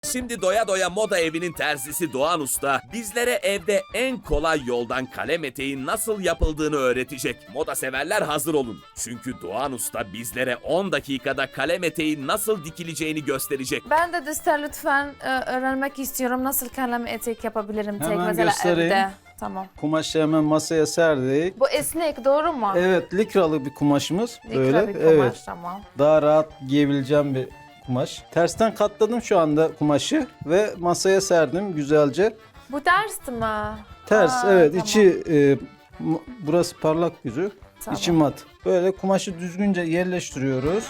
Şimdi doya doya moda evinin terzisi Doğan Usta bizlere evde en kolay yoldan kalem eteğin nasıl yapıldığını öğretecek. Moda severler hazır olun. Çünkü Doğan Usta bizlere 10 dakikada kalem eteğin nasıl dikileceğini gösterecek. Ben de Düster lütfen öğrenmek istiyorum. Nasıl kalem etek yapabilirim tek Hemen mesela göstereyim. evde. Tamam. Kumaşı hemen masaya serdik. Bu esnek doğru mu? Evet, likralı bir kumaşımız. Likra Böyle. bir kumaş, Evet. tamam. Daha rahat giyebileceğim bir kumaş. Tersten katladım şu anda kumaşı ve masaya serdim güzelce. Bu ters mi? Ters, Aa, evet. tamam. İçi burası parlak yüzü. Tamam. İçi mat. Böyle kumaşı düzgünce yerleştiriyoruz.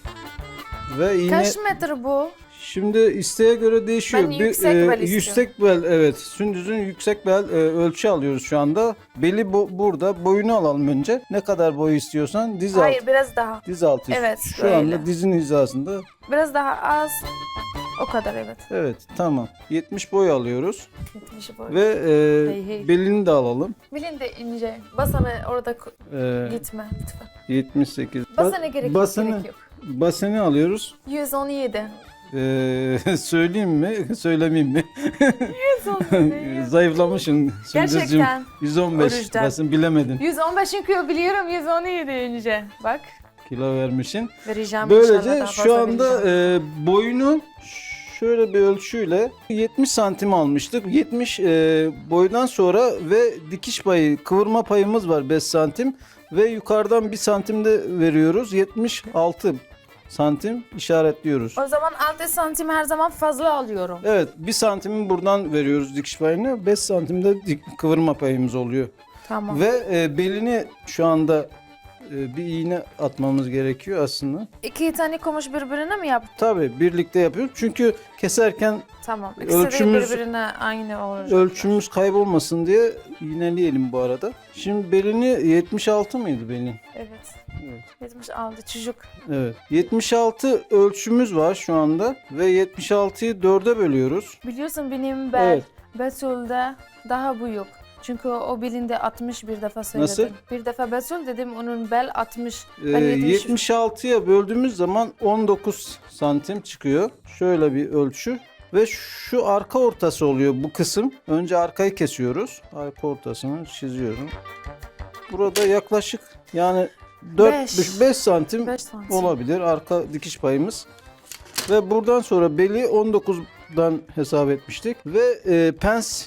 Ve iğne Kaç metre bu? şimdi isteğe göre değişiyor. Ben yüksek bel istiyorum. yüksek bel, evet. Sündüzün yüksek bel ölçü alıyoruz şu anda. Beli burada. Boyunu alalım önce. Ne kadar boyu istiyorsan diz altı. Hayır, biraz daha. Diz altı. Evet, Şu böyle. anda dizin hizasında. Biraz daha az. O kadar, evet. Evet, tamam. 70 boy alıyoruz. 70 boy. Ve Hey. belini de alalım. Bilin de ince. Basana orada gitme lütfen. 78. Basana gerek yok, gerek yok. Baseni alıyoruz. 117. Söyleyeyim mi? Söylemeyeyim mi? 117. Zayıflamışsın. Sündüzcüğüm. Gerçekten. 115. Oruçtan. Basın bilemedin. 115 çünkü biliyorum 117 önce. Bak. Kilo vermişsin. Vereceğim inşallah, Böylece daha şu fazla anda vereceğim. boyunu şöyle bir ölçüyle 70 santim almıştık. 70 boydan sonra ve dikiş payı, kıvırma payımız var 5 santim. Ve yukarıdan 1 santim de veriyoruz. 76 santim işaretliyoruz. O zaman 6 santim her zaman fazla alıyorum. Evet, 1 santimi buradan veriyoruz dikiş payını. 5 santim de kıvırma payımız oluyor. Tamam. Ve belini şu anda bir iğne atmamız gerekiyor aslında. 2 tane kumaş birbirine mi yaptın? Tabii birlikte yapıyoruz. Çünkü keserken Tamam. İkisi de birbirine aynı olacak. ölçümüz kaybolmasın diye iğneleyelim bu arada. Şimdi belini 76 mıydı belin? Evet. Evet. 76 çocuk. Evet. 76 ölçümüz var şu anda ve 76'yı 4'e bölüyoruz. Biliyorsun benim bel Evet. Betül'de daha büyük. Çünkü o belinde 60 bir defa söyledim. Nasıl? Bir defa Betül dedim, onun bel 60. Ben 70. 76'ya böldüğümüz zaman 19 santim çıkıyor. Şöyle bir ölçü. Ve şu arka ortası oluyor bu kısım. Önce arkayı kesiyoruz. Arka ortasını çiziyorum. Burada yaklaşık yani 4-5 santim 5 santim. olabilir arka dikiş payımız. Ve buradan sonra beli 19'dan hesap etmiştik. Ve pens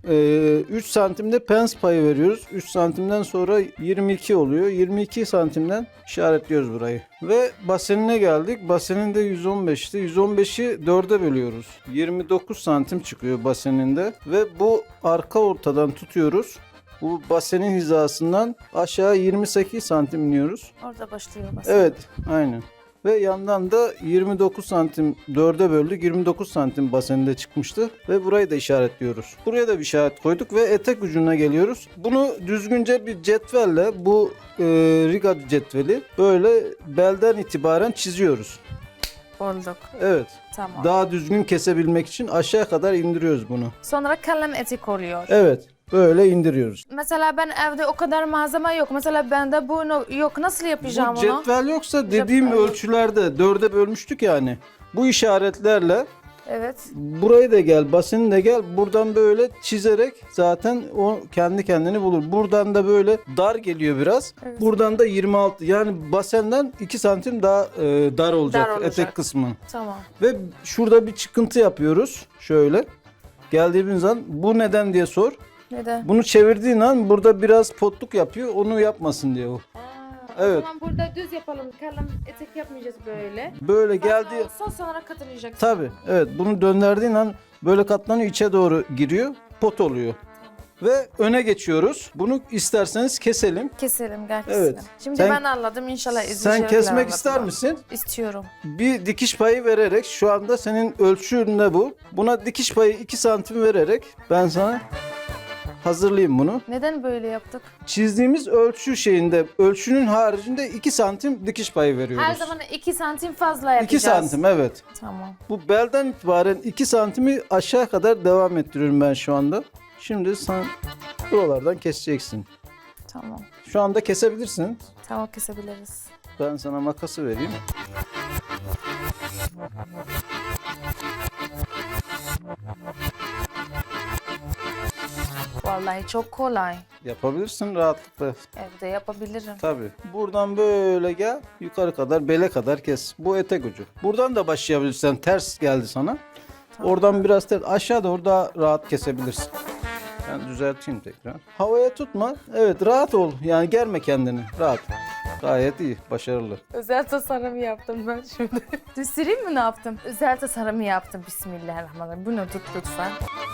3 santimde pens payı veriyoruz. 3 santimden sonra 22 oluyor. 22 santimden işaretliyoruz burayı. Ve basenine geldik. Basenin de 115'ti. 115'i 4'e bölüyoruz. 29 santim çıkıyor baseninde. Ve bu arka ortadan tutuyoruz. Bu basenin hizasından aşağı 28 santim iniyoruz. Orada başlıyor basen. Evet, aynen. Ve yandan da 29 santim 4'e böldük. 29 santim baseninde çıkmıştı. Ve burayı da işaretliyoruz. Buraya da bir işaret koyduk ve etek ucuna geliyoruz. Bunu düzgünce bir cetvelle, bu riga cetveli böyle belden itibaren çiziyoruz. Bulduk. Evet. Tamam. Daha düzgün kesebilmek için aşağı kadar indiriyoruz bunu. Sonra kalem etek oluyor. Evet. Böyle indiriyoruz. Mesela ben evde o kadar malzeme yok. Mesela bende bu yok. Nasıl yapacağım Bu onu? cetvel yoksa dediğim Cetvel yok. ölçülerde 4'e bölmüştük yani. Bu işaretlerle Evet. burayı da gel, basını da gel. Buradan böyle çizerek zaten o kendi kendini bulur. Buradan da böyle dar geliyor biraz. Evet. Buradan da 26. Yani basenden 2 santim daha dar olacak, Dar olacak. etek kısmı. Tamam. Ve şurada bir çıkıntı yapıyoruz. Şöyle. Geldiğimiz an bu neden diye sor. Neden? Bunu çevirdiğin an burada biraz potluk yapıyor. Onu yapmasın diye o. Evet. O zaman burada düz yapalım. Kalem etek yapmayacağız böyle. Böyle geldi. Olsa sonra katılacaksın. Tabii. Evet. Bunu döndürdüğün an böyle katlanıyor, içe doğru giriyor. Pot oluyor. Ve öne geçiyoruz. Bunu isterseniz keselim. Keselim, gel keselim. Evet. Şimdi Sen- ben anladım. İnşallah izleyiciler Sen kesmek anlatırlar. ister misin? İstiyorum. Bir dikiş payı vererek, şu anda senin ölçün ne bu? Buna dikiş payı 2 santim vererek ben sana hazırlayayım bunu. Neden böyle yaptık? Çizdiğimiz ölçü şeyinde, ölçünün haricinde 2 santim dikiş payı veriyoruz. Her zaman 2 santim fazla yapacağız. 2 santim, evet. Tamam. Bu belden itibaren 2 santimi aşağı kadar devam ettiriyorum ben şu anda. Şimdi sen buralardan keseceksin. Tamam. Şu anda kesebilirsin. Tamam, kesebiliriz. Ben sana makası vereyim. Vallahi çok kolay. Yapabilirsin rahatlıkla. Evde yapabilirim. Tabii. Buradan böyle gel. Yukarı kadar, bele kadar kes. Bu etek ucu. Buradan da başlayabilirsen. Ters geldi sana. Oradan biraz ters. Aşağı doğru daha rahat kesebilirsin. Ben düzelteyim tekrar. Havaya tutma. Evet, rahat ol. Yani germe kendini. Rahat. Gayet iyi. Başarılı. Özel tasarım yaptım ben şimdi. Göstereyim mi ne yaptım? Özel tasarım yaptım. Bismillahirrahmanirrahim. Bunu tut lütfen.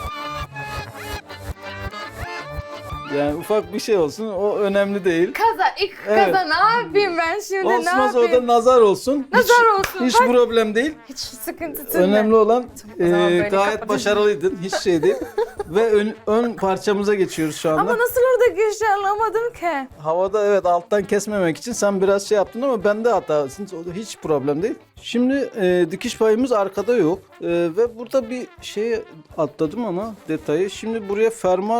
Yani ufak bir şey olsun. O önemli değil. İlk Evet. kaza ne yapayım ben şimdi? Olsun ne olsa yapayım? orada nazar olsun. Nazar olsun, Hiç bak. problem değil. Hiç sıkıntı değil. Önemli olan O zaman böyle gayet kapatayım. başarılıydın. Hiç şey değil. Ve ön parçamıza geçiyoruz şu anda. Ama nasıl orada geçti anlamadım ki. Havada evet alttan kesmemek için sen biraz şey yaptın ama bende hatasın. Hiç problem değil. Şimdi dikiş payımız arkada yok. Ve burada bir şey atladım ama detayı. Şimdi buraya fermuar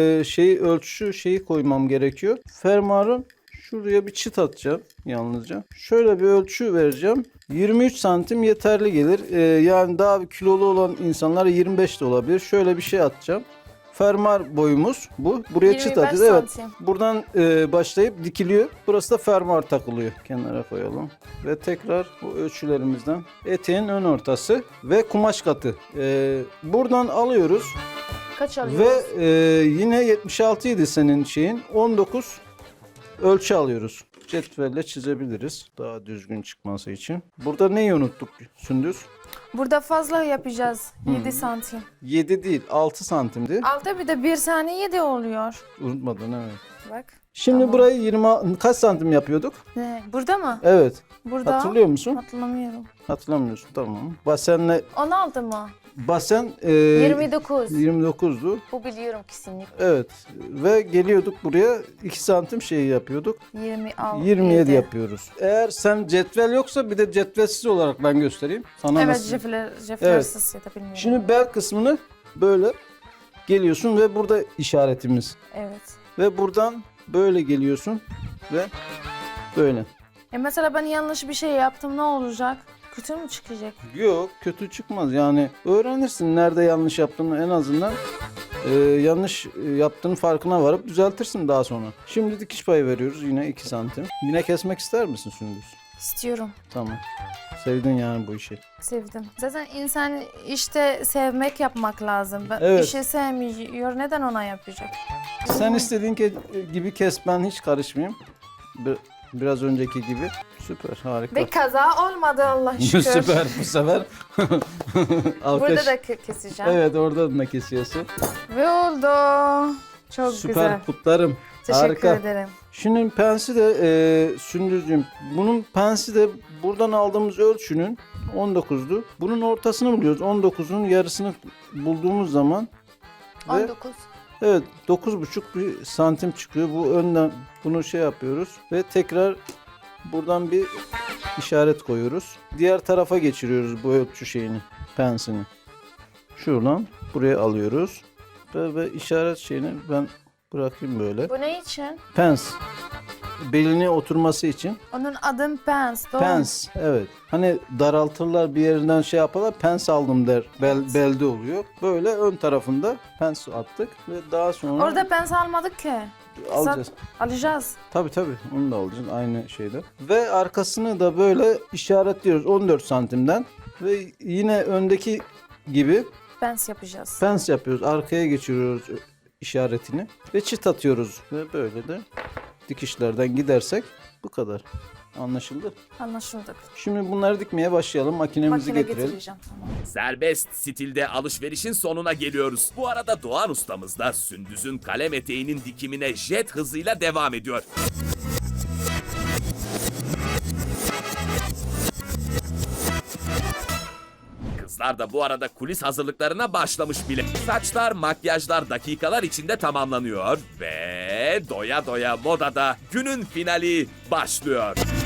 ölçü şeyi koymam gerekiyor. Fermuarın şuraya bir çıt atacağım yalnızca. Şöyle bir ölçü vereceğim. 23 santim yeterli gelir. Yani daha bir kilolu olan insanlar 25 de olabilir. Şöyle bir şey atacağım. Fermuar boyumuz bu. Buraya çıt 25 atacağız. Evet. santim. Buradan başlayıp dikiliyor. Burası da fermuar takılıyor. Kenara koyalım. Ve tekrar bu ölçülerimizden eteğin ön ortası ve kumaş katı. Buradan alıyoruz. Kaç alıyoruz? Ve yine 76 idi senin şeyin. 19 ölçü alıyoruz. Cetvelle çizebiliriz. Daha düzgün çıkması için. Burada neyi unuttuk Sündüz? Burada fazla yapacağız. 7 santim. 7 değil 6 santimdi. Altta bir de 1 saniye 7 oluyor. Unutmadın evet. Bak. Şimdi Tamam. burayı 20 kaç santim yapıyorduk? Ne? Burada mı? Evet. Burada. Hatırlıyor musun? Hatırlamıyorum. Hatırlamıyorsun tamam. Basenle 16 mı? basen 29. 29'du. Bu biliyorum kesinlikle. Evet. Ve geliyorduk buraya 2 santim şeyi yapıyorduk. 26. 27 yapıyoruz. Eğer sen cetvel yoksa bir de cetvelsiz olarak ben göstereyim. Sana Evet, nasıl? jeflersiz ya da bilmiyorum. Şimdi bel kısmını böyle geliyorsun ve burada işaretimiz. Evet. Ve buradan böyle geliyorsun ve böyle. Mesela ben yanlış bir şey yaptım ne olacak? Kötü mü çıkacak? Yok kötü çıkmaz yani öğrenirsin nerede yanlış yaptığını en azından yanlış yaptığın farkına varıp düzeltirsin daha sonra. Şimdi dikiş payı veriyoruz yine 2 santim. Yine kesmek ister misin Sündüz? İstiyorum. Tamam. Sevdin yani bu işi. Sevdim. Zaten insan işte sevmek yapmak lazım. Ben Evet. bir şey sevmiyor. Neden ona yapacak? Sen istediğin gibi kes ben hiç karışmayayım. Biraz önceki gibi. Süper harika. Ve kaza olmadı Allah şükür. Süper bu sefer. Alkış. Burada da keseceğim. Evet orada da kesiyorsun. Ve oldu. Çok Süper güzel. kutlarım. Teşekkür Harika. ederim. Şimdi pensi de Sündüzcüğüm. Bunun pensi de buradan aldığımız ölçünün 19'du. Bunun ortasını buluyoruz. 19'un yarısını bulduğumuz zaman ve 19. evet 9,5 bir santim çıkıyor. Bu önden bunu şey yapıyoruz ve tekrar buradan bir işaret koyuyoruz. Diğer tarafa geçiriyoruz bu ölçü şeyini, pensini. Şuradan buraya alıyoruz. Ve işaret şeyini ben bırakayım böyle. Bu ne için? Pens. Beline oturması için. Onun adı pens. Doğru. Pens. Evet. Hani daraltırlar bir yerinden şey yaparlar. Pens aldım der. Belde oluyor. Böyle ön tarafında pens attık ve daha sonra Orada pens almadık ki. alacağız. Alacağız. Tabii tabii. Onu da alacağız aynı şeyde. Ve arkasını da böyle işaretliyoruz 14 santimden ve yine öndeki gibi Pens yapacağız. pens yapıyoruz. Arkaya geçiriyoruz işaretini ve çıt atıyoruz ve böyle de dikişlerden gidersek bu kadar. Anlaşıldı. Anlaşıldık. Şimdi bunları dikmeye başlayalım. Makinemizi Makine getirelim. getireceğim sana. Serbest stilde alışverişin sonuna geliyoruz. Bu arada Doğan ustamız da Sündüz'ün kalem eteğinin dikimine jet hızıyla devam ediyor. Kızlar da bu arada kulis hazırlıklarına başlamış bile. Saçlar, makyajlar dakikalar içinde tamamlanıyor ve doya doya modada günün finali başlıyor.